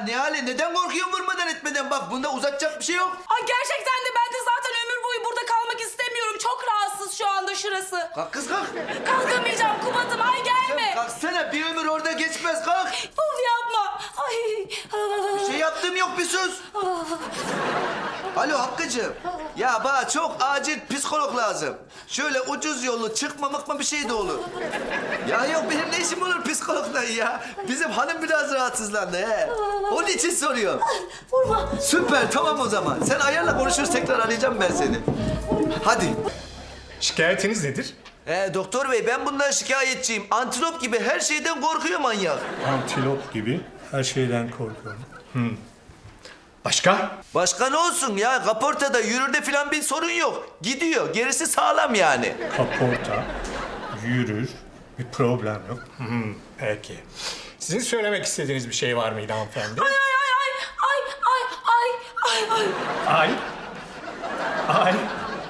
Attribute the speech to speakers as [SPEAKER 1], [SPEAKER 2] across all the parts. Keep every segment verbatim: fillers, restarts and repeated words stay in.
[SPEAKER 1] Nihale neden korkuyorsun vurmadan etmeden? Bak bunda uzatacak bir şey yok.
[SPEAKER 2] Ay gerçekten de ben de zaten ömür boyu burada kalmak istemiyorum. Çok rahatsız şu anda şurası.
[SPEAKER 1] Kalk kız kalk.
[SPEAKER 2] Kalkamayacağım Kubat'ım, ay gelme.
[SPEAKER 1] Kalksana, bir ömür orada geçmez, kalk.
[SPEAKER 2] Of yapma. Ay.
[SPEAKER 1] Bir şey yaptığım yok, bir sus. Alo Hakkı'cığım. Ya bana çok acil psikolog lazım. Şöyle ucuz yollu çıkmamak mı bir şey de olur. Ya yok, benim ne işim olur psikologla ya. Bizim hanım biraz rahatsızlandı he. Onun için soruyorum.
[SPEAKER 2] Vurma.
[SPEAKER 1] Süper, tamam o zaman. Sen ayarla, konuşuruz, tekrar arayacağım ben seni. Hadi.
[SPEAKER 3] Şikayetiniz nedir?
[SPEAKER 1] Ee, doktor bey, ben bundan şikayetçiyim. Antilop gibi her şeyden korkuyor manyak.
[SPEAKER 3] Antilop gibi her şeyden korkuyorum. Hmm. Başka?
[SPEAKER 1] Başka ne olsun ya? Kaportada, yürürde falan bir sorun yok. Gidiyor. Gerisi sağlam yani.
[SPEAKER 3] Kaporta, yürür, bir problem yok. Hmm, peki. Sizin söylemek istediğiniz bir şey var mıydı hanımefendi?
[SPEAKER 2] Ay ay ay ay ay ay ay ay.
[SPEAKER 3] Ay. Ay.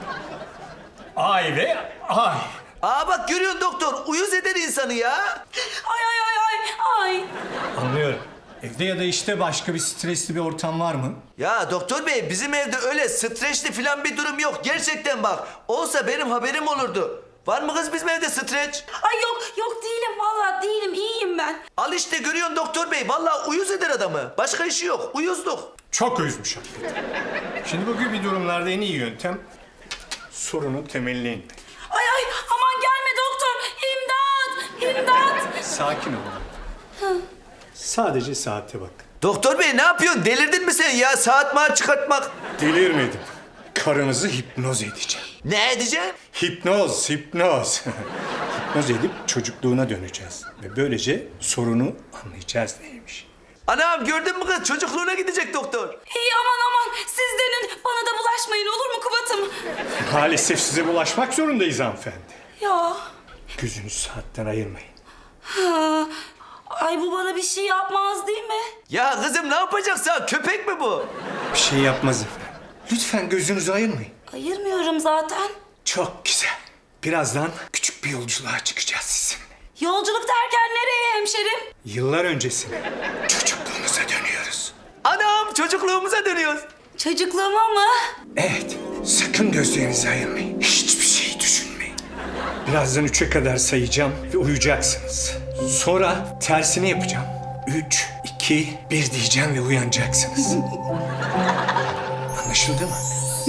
[SPEAKER 3] Ay ve ay.
[SPEAKER 1] Aa bak görüyorsun doktor. Uyuz eder insanı ya.
[SPEAKER 2] Ay ay ay ay ay.
[SPEAKER 3] Anlıyorum. Evde ya da işte başka bir stresli bir ortam var mı?
[SPEAKER 1] Ya doktor bey, bizim evde öyle stresli falan bir durum yok. Gerçekten bak. Olsa benim haberim olurdu. Var mı kız bizim evde stres?
[SPEAKER 2] Ay yok yok değilim, vallahi değilim, iyiyim ben.
[SPEAKER 1] Al işte, görüyorsun doktor bey. Vallahi uyuz eder adamı. Başka işi yok. Uyuzluk.
[SPEAKER 3] Çok üzmüş hakikaten. Şimdi bu gibi durumlarda en iyi yöntem sorunun temeline inmek.
[SPEAKER 2] Ay ay aman gelme doktor. İmdat! İmdat!
[SPEAKER 3] Sakin olun. Sadece saate bak.
[SPEAKER 1] Doktor bey ne yapıyorsun? Delirdin mi sen ya? Saat maat çıkartmak.
[SPEAKER 3] Delirmedim. Karınızı hipnoz edeceğim.
[SPEAKER 1] Ne edeceksin?
[SPEAKER 3] Hipnoz, hipnoz. Hipnoz edip çocukluğuna döneceğiz. Ve böylece sorunu anlayacağız neymiş.
[SPEAKER 1] Anam gördün mü kız? Çocukluğuna gidecek doktor.
[SPEAKER 2] İyi aman aman siz dönün. Bana da bulaşmayın olur mu Kubat'ım?
[SPEAKER 3] Maalesef size bulaşmak zorundayız hanımefendi.
[SPEAKER 2] Ya.
[SPEAKER 3] Gözünüzü saatten ayırmayın.
[SPEAKER 2] Ha. Ay bu bana bir şey yapmaz değil mi?
[SPEAKER 1] Ya kızım ne yapacaksın? Köpek mi bu?
[SPEAKER 3] Bir şey yapmaz efendim. Lütfen gözünüzü ayırmayın.
[SPEAKER 2] Ayırmıyorum zaten.
[SPEAKER 3] Çok güzel. Birazdan küçük bir yolculuğa çıkacağız sizinle.
[SPEAKER 2] Yolculuk derken nereye hemşerim?
[SPEAKER 3] Yıllar öncesine, çocukluğunuza dönüyoruz.
[SPEAKER 1] Anam çocukluğumuza dönüyoruz.
[SPEAKER 2] Çocukluğuma mı?
[SPEAKER 3] Evet, sakın gözlerinizi ayırmayın. Hiçbir şey düşünmeyin. Birazdan üçe kadar sayacağım ve uyuyacaksınız. Sonra tersini yapacağım. Üç, iki, bir diyeceğim ve uyanacaksınız. Anlaşıldı mı?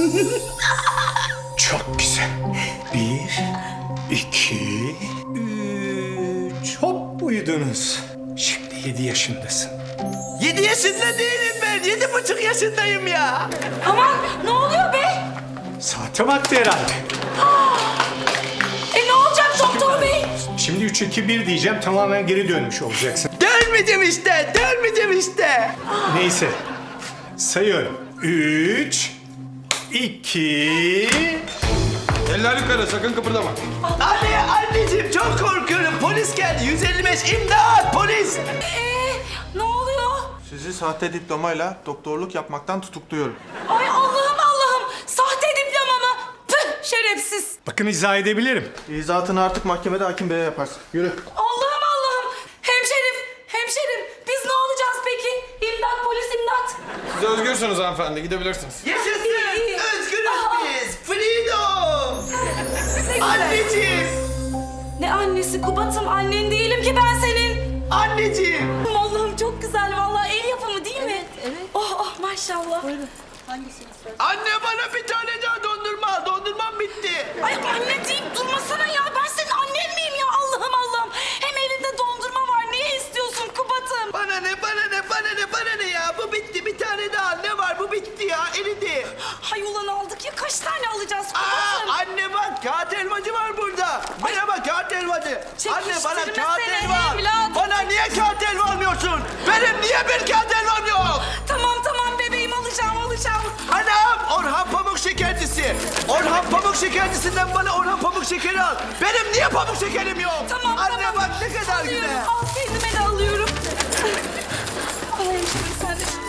[SPEAKER 3] Çok güzel. Bir, iki, üç. Hop uyudunuz. Şimdi yedi yaşındasın.
[SPEAKER 1] Yedi yaşında değilim ben. Yedi buçuk yaşındayım ya.
[SPEAKER 2] Aman ne oluyor be?
[SPEAKER 3] Saate baktı herhalde.
[SPEAKER 2] E ne olacak doktor bey?
[SPEAKER 3] Şimdi üç, iki, bir diyeceğim. Tamamen geri dönmüş olacaksın.
[SPEAKER 1] Dönmeyeceğim işte. Dönmeyeceğim işte.
[SPEAKER 3] Neyse. Sayıyorum. Üç, iki...
[SPEAKER 4] Eller yukarı, sakın kıpırdama.
[SPEAKER 1] Anne, anneciğim çok korkuyorum. Polis geldi. yüz elli beş imdat polis.
[SPEAKER 2] Ee, ne oluyor?
[SPEAKER 4] Sizi sahte diplomayla doktorluk yapmaktan tutukluyorum.
[SPEAKER 2] Ay Allah'ım Allah'ım. Sahte diploma mı? Püh şerefsiz.
[SPEAKER 3] Bakın izah edebilirim.
[SPEAKER 4] İzatını artık mahkemede hakim beye yaparsın. Yürü.
[SPEAKER 2] Allah'ım Allah'ım. Hemşerim, hemşerim. Biz ne olacağız peki? İmdat polis imdat.
[SPEAKER 4] Siz özgürsünüz hanımefendi, gidebilirsiniz.
[SPEAKER 1] Yaşasın.
[SPEAKER 2] İyi.
[SPEAKER 1] Özgürüz
[SPEAKER 2] Aa.
[SPEAKER 1] biz. Freedom.
[SPEAKER 2] Ne güzel.
[SPEAKER 1] Anneciğim.
[SPEAKER 2] Ne annesi Kubat'ım, annen değilim ki ben senin.
[SPEAKER 1] Anneciğim.
[SPEAKER 2] Allah'ım çok güzel vallahi, el yapımı değil mi? Evet, evet. Oh oh maşallah.
[SPEAKER 1] Anne bana bir tane daha dondurma al. Dondurmam bitti.
[SPEAKER 2] Ay anne deyip durmasana ya. Ben senin annen miyim ya? Allah'ım Allah'ım. Hem elinde dondurma var. Niye istiyorsun Kubat'ım?
[SPEAKER 1] Bana ne, bana ne, bana ne, bana ne ya? Bu bitti. Bir tane daha. Ne var? Bu bitti ya. Eridi.
[SPEAKER 2] Hay ulan aldık ya. Kaç tane alacağız
[SPEAKER 1] Aa,
[SPEAKER 2] Kubat'ım?
[SPEAKER 1] anne bak. Kağıt helvacı var burada. Bana bak kağıt helvacı. Anne bana
[SPEAKER 2] Çekiştirme
[SPEAKER 1] kağıt
[SPEAKER 2] seni
[SPEAKER 1] helva.
[SPEAKER 2] evladım.
[SPEAKER 1] Bana niye kağıt helva almıyorsun? Benim niye bir kağıt helvam yok?
[SPEAKER 2] Tamam tamam bebeğim, alacağım alacağım.
[SPEAKER 1] Anam Orhan Pamuk şekercisi. Orhan Pamuk şekercisinden bana Orhan Pamuk şekeri al. Benim niye pamuk şekerim yok?
[SPEAKER 2] Tamam
[SPEAKER 1] Anne
[SPEAKER 2] tamam.
[SPEAKER 1] bak ne kadar
[SPEAKER 2] Alıyorum,
[SPEAKER 1] güzel.
[SPEAKER 2] al kendime de alıyorum. Ay şimdi sen de